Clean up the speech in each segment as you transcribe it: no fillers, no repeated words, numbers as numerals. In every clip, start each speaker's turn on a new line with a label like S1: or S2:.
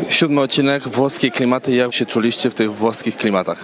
S1: 7 odcinek, włoskie klimaty. Jak się czuliście w tych włoskich klimatach?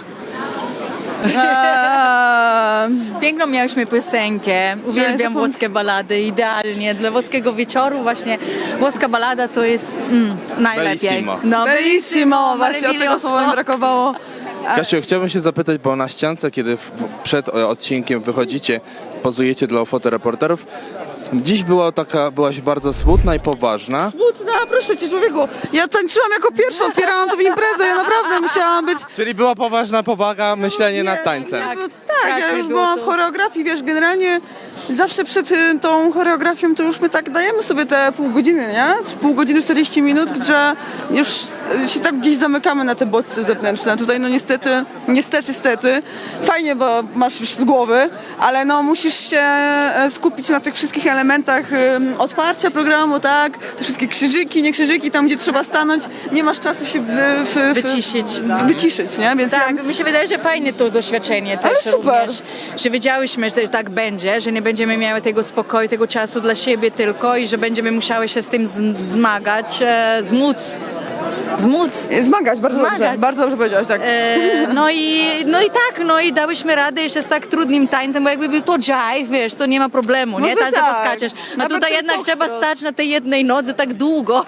S2: Piękną miałyśmy piosenkę, uwielbiam włoskie balady, idealnie. Dla włoskiego wieczoru właśnie włoska balada to jest najlepiej.
S1: Bellissimo.
S2: No,
S3: Bellissimo, właśnie od tego słowa mi brakowało.
S1: Kasiu, chciałbym się zapytać, bo na ściance, kiedy przed odcinkiem wychodzicie, pozujecie dla fotoreporterów, dziś byłaś bardzo smutna i poważna.
S3: Smutna, proszę cię człowieku. Ja tańczyłam jako pierwsza, otwierałam tą imprezę, ja naprawdę musiałam być...
S1: Czyli była poważna powaga, myślenie nad tańcem.
S2: tak.
S3: Tak, ja
S2: Strasznie
S3: już
S2: było
S3: byłam w
S2: to.
S3: choreografii, wiesz, generalnie zawsze przed tą choreografią to już my tak dajemy sobie te pół godziny, nie? Pół godziny, 40 minut, że już się tak gdzieś zamykamy na te bodźce zewnętrzne. Tutaj no niestety, fajnie, bo masz już z głowy, ale no musisz się skupić na tych wszystkich elementach otwarcia programu, tak? Te wszystkie krzyżyki, nie krzyżyki, tam gdzie trzeba stanąć, nie masz czasu się wyciszyć, nie? Więc
S2: Tak, mi się wydaje, że fajne to doświadczenie też
S3: Ale super.
S2: również, że wiedziałyśmy, że tak będzie, że nie będziemy miały tego spokoju, tego czasu dla siebie tylko i że będziemy musiały się z tym zmagać, zmóc.
S3: Zmagać, bardzo
S2: Zmagać.
S3: dobrze, bardzo dobrze powiedziałaś, tak.
S2: No i dałyśmy radę jeszcze z tak trudnym tańcem, bo jakby był to jive, wiesz, to nie ma problemu, nie?
S3: Może
S2: Tańce
S3: tak.
S2: poskaczesz. A
S3: Nawet
S2: tutaj
S3: ten
S2: jednak trzeba
S3: foxtrot.
S2: stać na tej jednej nodze tak długo.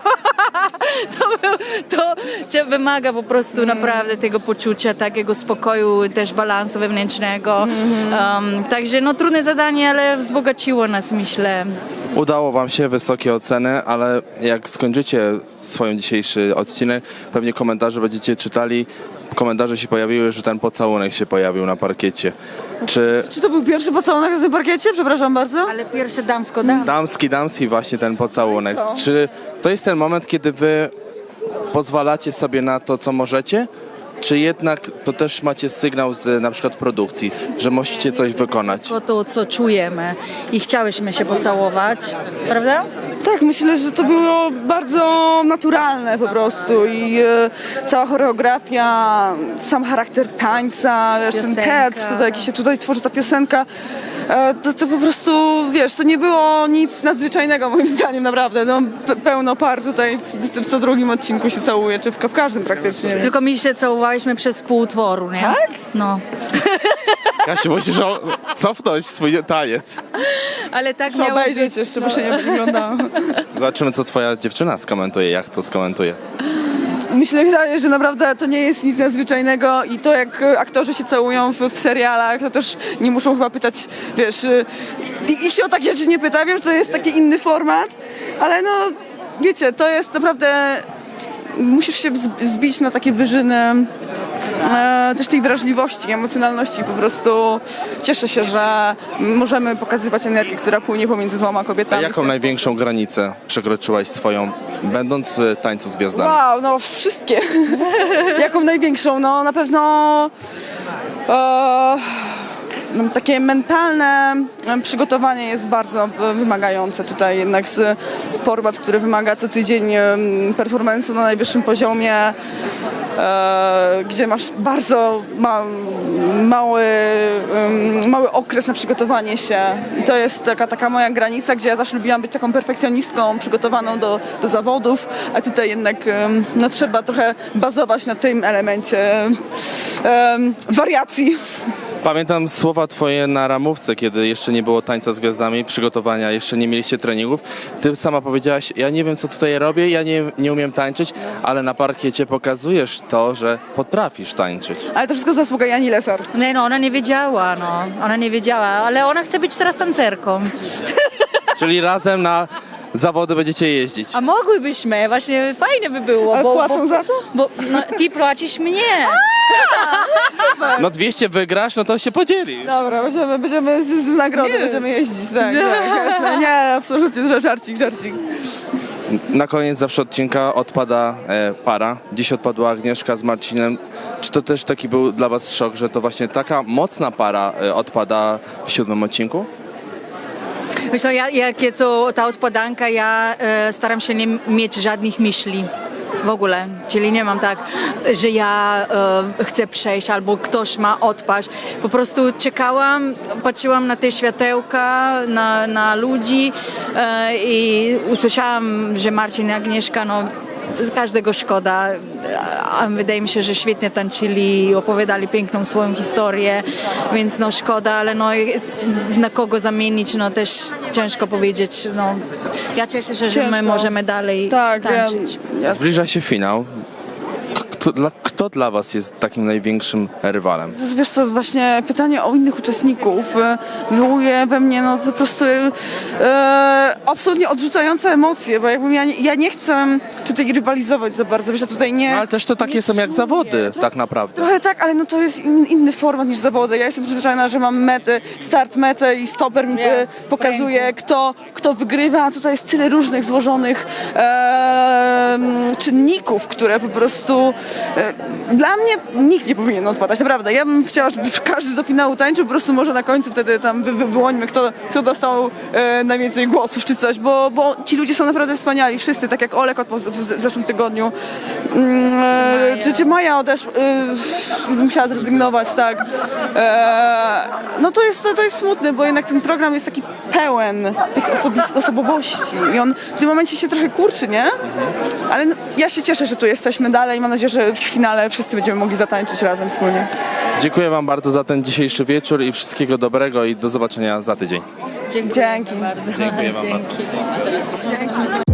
S2: to cię wymaga po prostu naprawdę tego poczucia, takiego spokoju, też balansu wewnętrznego. Także no trudne zadanie, ale wzbogaciło nas, myślę.
S1: Udało wam się, wysokie oceny, ale jak skończycie swój dzisiejszy odcinek, pewnie komentarze będziecie czytali. Komentarze się pojawiły, że ten pocałunek się pojawił na parkiecie. Czy
S3: Czy to był pierwszy pocałunek na tym parkiecie? Przepraszam bardzo.
S2: Ale pierwsze damsko-dam.
S1: damski właśnie ten pocałunek.
S3: No i co?
S1: Czy to jest ten moment, kiedy wy pozwalacie sobie na to, co możecie? Czy jednak to też macie sygnał z na przykład produkcji, że musicie coś wykonać?
S2: To, co czujemy i chciałyśmy się pocałować, prawda?
S3: Tak, myślę, że to było bardzo naturalne po prostu i cała choreografia, sam charakter tańca, wiesz, ten
S2: Piosenka.
S3: teatr, jaki się tutaj tworzy, ta piosenka, to po prostu, wiesz, to nie było nic nadzwyczajnego moim zdaniem, naprawdę. No, pełno par tutaj w co drugim odcinku się całuje, czy w każdym praktycznie.
S2: Tylko my się całowałyśmy przez pół utworu, nie?
S3: Tak?
S2: No.
S1: Kasiu, musisz cofnąć swój taniec.
S2: Ale tak
S3: Muszę
S2: miało
S3: obejrzeć
S2: być.
S3: jeszcze, bo się nie wyglądało.
S1: Zobaczymy, co twoja dziewczyna skomentuje, jak to skomentuje.
S3: Myślę, że naprawdę to nie jest nic nadzwyczajnego i to, jak aktorzy się całują w serialach, to też nie muszą chyba pytać, wiesz, ich się o takie rzeczy nie pyta, wiem, że to jest taki inny format, ale no, wiecie, to jest naprawdę, musisz się zbić na takie wyżyny też tej wrażliwości, emocjonalności, po prostu cieszę się, że możemy pokazywać energię, która płynie pomiędzy dwoma
S1: A
S3: kobietami.
S1: jaką największą granicę przekroczyłaś swoją, będąc w tańcu z gwiazdami?
S3: Wow, no wszystkie. Jaką największą? No na pewno no, takie mentalne przygotowanie jest bardzo wymagające. Tutaj jednak format, który wymaga co tydzień performance'u na najwyższym poziomie, gdzie masz bardzo mały okres na przygotowanie się. I to jest taka moja granica, gdzie ja zawsze lubiłam być taką perfekcjonistką, przygotowaną do zawodów, a tutaj jednak no, trzeba trochę bazować na tym elemencie wariacji.
S1: Pamiętam słowa twoje na ramówce, kiedy jeszcze nie było tańca z gwiazdami, przygotowania, jeszcze nie mieliście treningów. Ty sama powiedziałaś, ja nie wiem, co tutaj robię, ja nie umiem tańczyć, ale na parkiecie pokazujesz to, że potrafisz tańczyć.
S3: Ale to wszystko zasługa Jani Lesar.
S2: Nie, no, ona nie wiedziała, ale ona chce być teraz tancerką.
S1: Czyli razem na zawody będziecie jeździć.
S2: A mogłybyśmy, właśnie fajnie by było.
S3: Ale płacą za to?
S2: Bo no, ty płacisz mnie.
S1: No 200 wygrasz, no to się podzieli.
S3: Dobra, będziemy z nagrody
S2: Nie.
S3: będziemy jeździć, tak, jasne. Nie, absolutnie, żarcik.
S1: Na koniec zawsze odcinka odpada para. Dziś odpadła Agnieszka z Marcinem. Czy to też taki był dla was szok, że to właśnie taka mocna para odpada w 7 odcinku?
S2: Wiesz co, jakie to ta odpadanka, ja staram się nie mieć żadnych myśli. W ogóle, czyli nie mam tak, że ja chcę przejść albo ktoś ma odpaść. Po prostu czekałam, patrzyłam na te światełka, na ludzi i usłyszałam, że Marcin i Agnieszka każdego szkoda. A wydaje mi się, że świetnie tańczyli i opowiadali piękną swoją historię, więc no szkoda, ale no na kogo zamienić, no też ciężko powiedzieć. No, ja cieszę się, że my
S3: Ciężko.
S2: możemy dalej
S3: Tak,
S2: tańczyć.
S1: Zbliża się finał. Kto dla was jest takim największym rywalem?
S3: Wiesz co, właśnie pytanie o innych uczestników wywołuje we mnie no po prostu absolutnie odrzucające emocje, bo jakbym ja nie chcę tutaj rywalizować za bardzo, wiesz, ja tutaj nie...
S1: No, ale też to takie są jak zawody, tak naprawdę.
S3: Trochę tak, ale no to jest inny format niż zawody. Ja jestem przyzwyczajona, że mam metę, start, metę i stoper mi pokazuje, kto wygrywa, a tutaj jest tyle różnych złożonych czynników, które po prostu dla mnie nikt nie powinien odpadać, naprawdę. Ja bym chciała, żeby każdy do finału tańczył, po prostu może na końcu wtedy tam wyłonimy, kto dostał najwięcej głosów czy coś, bo ci ludzie są naprawdę wspaniali, wszyscy, tak jak Olek w zeszłym tygodniu. Czy Maja odeszła, musiała zrezygnować, tak. No to jest smutne, bo jednak ten program jest taki pełen tych osobowości i on w tym momencie się trochę kurczy, nie? Ale no, ja się cieszę, że tu jesteśmy dalej i mam nadzieję, że w finale wszyscy będziemy mogli zatańczyć razem wspólnie.
S1: Dziękuję wam bardzo za ten dzisiejszy wieczór i wszystkiego dobrego i do zobaczenia za tydzień.
S2: Dziękuję
S3: Dzięki.
S2: bardzo.
S1: Dziękuję wam bardzo.
S2: Dzięki.